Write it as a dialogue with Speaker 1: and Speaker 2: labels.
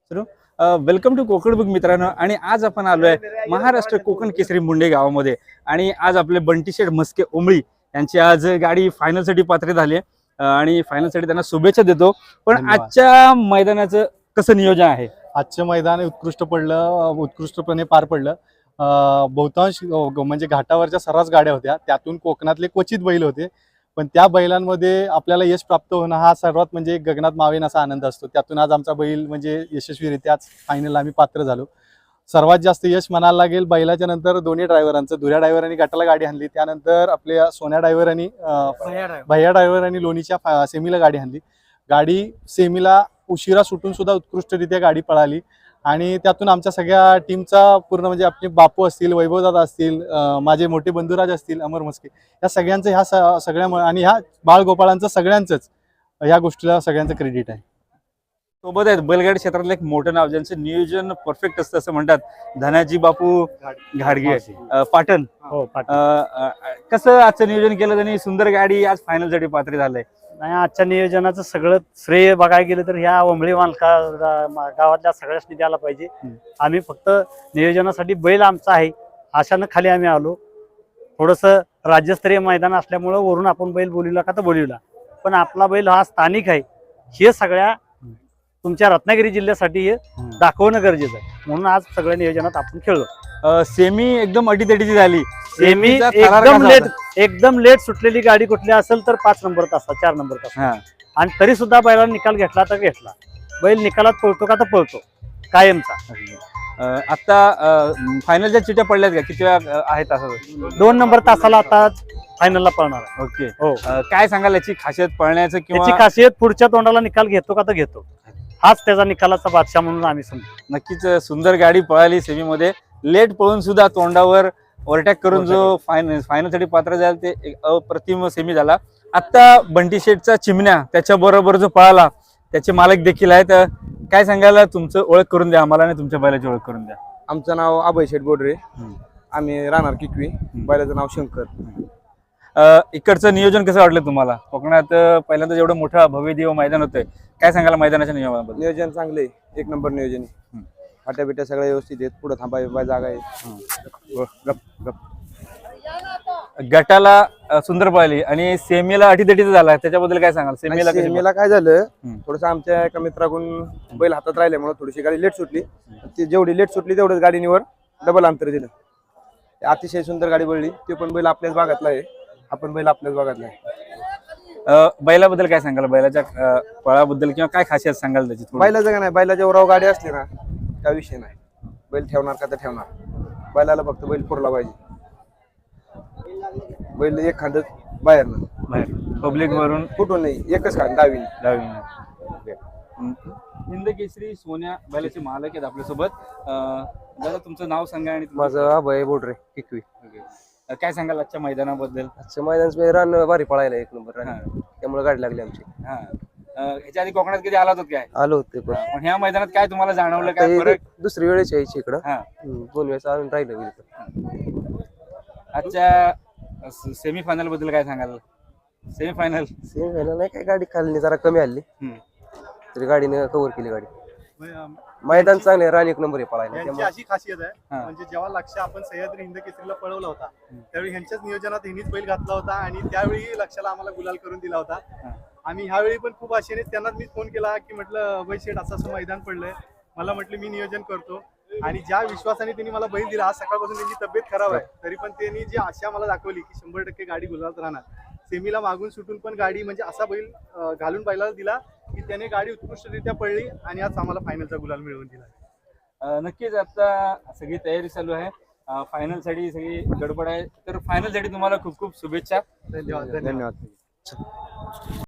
Speaker 1: Welcome to Konkan book मित्रांनो. आणि आज आपण आलोय महाराष्ट्र कोकण केसरी मुंडे गावामध्ये. आणि आज आपले बंटी शेठ मस्के ओंबळी यांची आज गाडी फायनल साठी पात्र झाली आहे. आणि फायनल साठी त्यांना शुभेच्छा देतो. पण
Speaker 2: धन्यवाद.
Speaker 1: आजच्या मैदानाचं कसं नियोजन आहे?
Speaker 2: आजचं मैदान उत्कृष्टपणे पार पडलं. बहुतांश म्हणजे घाटावरच्या सर्रास गाड्या होत्या, त्यातून कोकणातले क्वचित बैल होते. पण त्या बैलांमध्ये आपल्याला यश प्राप्त होणं हा सर्वात म्हणजे गगनात मावेन असा आनंद असतो. त्यातून आज आमचा बैल म्हणजे यशस्वीरित्या आज फायनल आम्ही पात्र झालो. सर्वात जास्त यश म्हणायला लागेल बैलाच्या नंतर दोन्ही ड्रायव्हरांचं. धुऱ्या ड्रायव्हरांनी गटाला गाडी आणली, त्यानंतर आपल्या सोन्या ड्रायव्हरांनी भैया ड्रायव्हरांनी लोणीच्या सेमीला गाडी आणली. गाडी सेमीला उशिरा सुटून सुद्धा उत्कृष्टरित्या गाडी पळाली. आणि त्यातून आमच्या सगळ्या टीमचा पूर्ण म्हणजे आपले बापू असतील, वैभवदादा असतील, माझे मोठे बंधुराज असतील, अमर मस्के, या सगळ्यांचं ह्या सगळ्या आणि ह्या बाळगोपाळांचं सगळ्यांचंच ह्या गोष्टीला सगळ्यांचं क्रेडिट आहे.
Speaker 1: सोबत आहेत बैलगाडी क्षेत्रातलं एक मोठं नाव, ज्यांचं नियोजन परफेक्ट असतं असं म्हणतात, धनाजी बापू घाडगे पाटण.
Speaker 3: हो,
Speaker 1: कसं आजचं नियोजन केलं त्यांनी? सुंदर गाडी आज फायनल साठी पात्र झालंय.
Speaker 3: नाही, आजच्या नियोजनाचं सगळं श्रेय बघायला गेलं तर ह्या ओंबळी मालका गावातल्या सगळ्याच द्यायला पाहिजे. आम्ही फक्त नियोजनासाठी बैल आमचा आहे अशानं खाली आम्ही आलो. थोडंसं राज्यस्तरीय मैदान असल्यामुळं वरून आपण बैल बोलवला का तर बोलवला, पण आपला बैल हा स्थानिक आहे हे सगळ्या तुमच्या रत्नागिरी जिल्ह्यासाठी हे दाखवणं गरजेचं आहे. म्हणून आज सगळ्या नियोजनात आपण खेळलो.
Speaker 1: सेमी एकदम अटीतटीची झाली.
Speaker 3: सेमी एकदम लेट सुटलेली गाडी कुठली असेल तर 5 नंबर तासा 4 नंबर तासा, आणि तरी सुद्धा बैलाला निकाल घेतला तर घेतला. बैल निकालात पळतो का तर पळतो कायमचा.
Speaker 1: आता फायनलच्या चिट्या पडल्यात का? किती वेळा आहेत असं?
Speaker 3: 2 नंबर तासाला आता फायनलला पळणार आहे.
Speaker 1: ओके.
Speaker 3: हो,
Speaker 1: काय सांगाल याची खासियत पळण्याचं?
Speaker 3: त्याची
Speaker 1: किंवा
Speaker 3: खासियत पुढच्या तोंडाला निकाल घेतो का तर घेतो, हाच त्याचा निकालाचा बादशाह म्हणून आम्ही समजतो.
Speaker 1: नक्कीच सुंदर गाडी पळाली. सेमीमध्ये लेट पळून सुद्धा तोंडावर ओव्हरटॅक करून जो फायनल साठी पात्र झाला ते एक अप्रतिम सेमी झाला. आता बंटी शेठचा चिमण्या त्याच्या बरोबर जो पळाला त्याचे मालक देखील आहेत. काय सांगायला? तुमचं ओळख करून द्या आम्हाला आणि तुमच्या बैलाची ओळख करून द्या.
Speaker 4: आमचं नाव अभय शेठ बोडरे, आम्ही राहणार किकवी, बैलाचं नाव शंकर.
Speaker 1: इकडचं नियोजन कसं वाटलं तुम्हाला? कोकणात पहिल्यांदा एवढं मोठं भव्यदेव मैदान होतंय, काय सांगायला मैदानाच्या नियमाबद्दल?
Speaker 4: नियोजन चांगले, एक नंबर नियोजन आहे. फाट्या बिट्या सगळ्या व्यवस्थित आहेत, पुढे थांबाय जागा आहे.
Speaker 1: गटाला सुंदर पळाली आणि सेमीला अटीतटीचा झाला, त्याच्याबद्दल काय सांगाल?
Speaker 4: सेमीला काय झालं, थोडस आमच्या एका मित्राकडून बैल हातात राहिल्यामुळे थोडीशी गाडी लेट सुटली. ती जेवढी लेट सुटली तेवढंच गाडीवर डबल अंतर दिलं. अतिशय सुंदर गाडी पडली. ते पण बैल आपल्याच भागातला आहे, आपण बैल आपल्याच भागातला आहे.
Speaker 1: बैलाबद्दल काय सांगाल? बैलाच्या पळाबद्दल किंवा काय खासियत सांगाल त्याची?
Speaker 4: बैलाचं का नाही, बैलाच्या उराव गाडी असली ना काय विषय नाही. बैल ठेवणार का तर ठेवणार, बैलाला फक्त बैल पुरला पाहिजे. बैल एक खांद बाहेर
Speaker 1: पब्लिक वरून
Speaker 4: कुठून नाही, एकच खांद डावी.
Speaker 1: हिंद केसरी सोन्या बैलाचे मालक आहेत आपल्यासोबत. दादा तुमचं नाव सांगा. आणि
Speaker 4: माझं अभय बोडरे किकवी.
Speaker 1: काय सांगाल आजच्या मैदानाबद्दल?
Speaker 4: आजच्या मैदान रान भारी पळायला एक नंबर, त्यामुळे गाडी लागली आमची.
Speaker 1: ह्याच्या आधी कोकणात कधी आला होत काय?
Speaker 4: आलो होते,
Speaker 1: पण ह्या मैदानात काय तुम्हाला जाणवलं? काय फरक?
Speaker 4: दुसरी वेळेस यायची इकडं, 2 वेळेस आणून राहिलं.
Speaker 1: आजच्या सेमीफायनल बद्दल काय सांगाल? सेमीफायनल
Speaker 4: नाही, काय गाडी खाली जरा कमी आली तरी गाडीने कव्हर केली. गाडी मैदान चांगले, रान एक नंबर आहे पळायला.
Speaker 5: यांची अशी खासियत आहे, म्हणजे जेव्हा लक्ष आपण सह्याद्री हिंद केसरीला पळवला होता त्यावेळी ह्यांच्याच नियोजनात ह्यांनीच बैल घातला होता आणि त्यावेळी लक्षाला आम्हाला गुलाल करून दिला होता. आम्ही ह्यावेळी पण खूप आशेने त्यांनाच मी फोन केला की म्हटलं अभय शेठ असं मैदान पडलंय, मला म्हटलं मी नियोजन करतो. आणि ज्या विश्वासाने त्यांनी मला बैल दिला, आज सकाळपासून त्यांची तब्येत खराब आहे तरी पण त्यांनी जी आशा मला दाखवली की 100% गाडी गुलालात राहणार, सेमीला मागून सुटून पण गाडी म्हणजे असा बैल घालून बैलाला दिला की त्याने गाडी उत्कृष्टरित्या पडली आणि आज आम्हाला फायनलचा गुलाल मिळवून दिला.
Speaker 1: नक्कीच आता सगळी तयारी चालू आहे, फायनल साठी सगळी गडबड आहे. तर फायनल साठी तुम्हाला खूप खूप शुभेच्छा.
Speaker 4: धन्यवाद.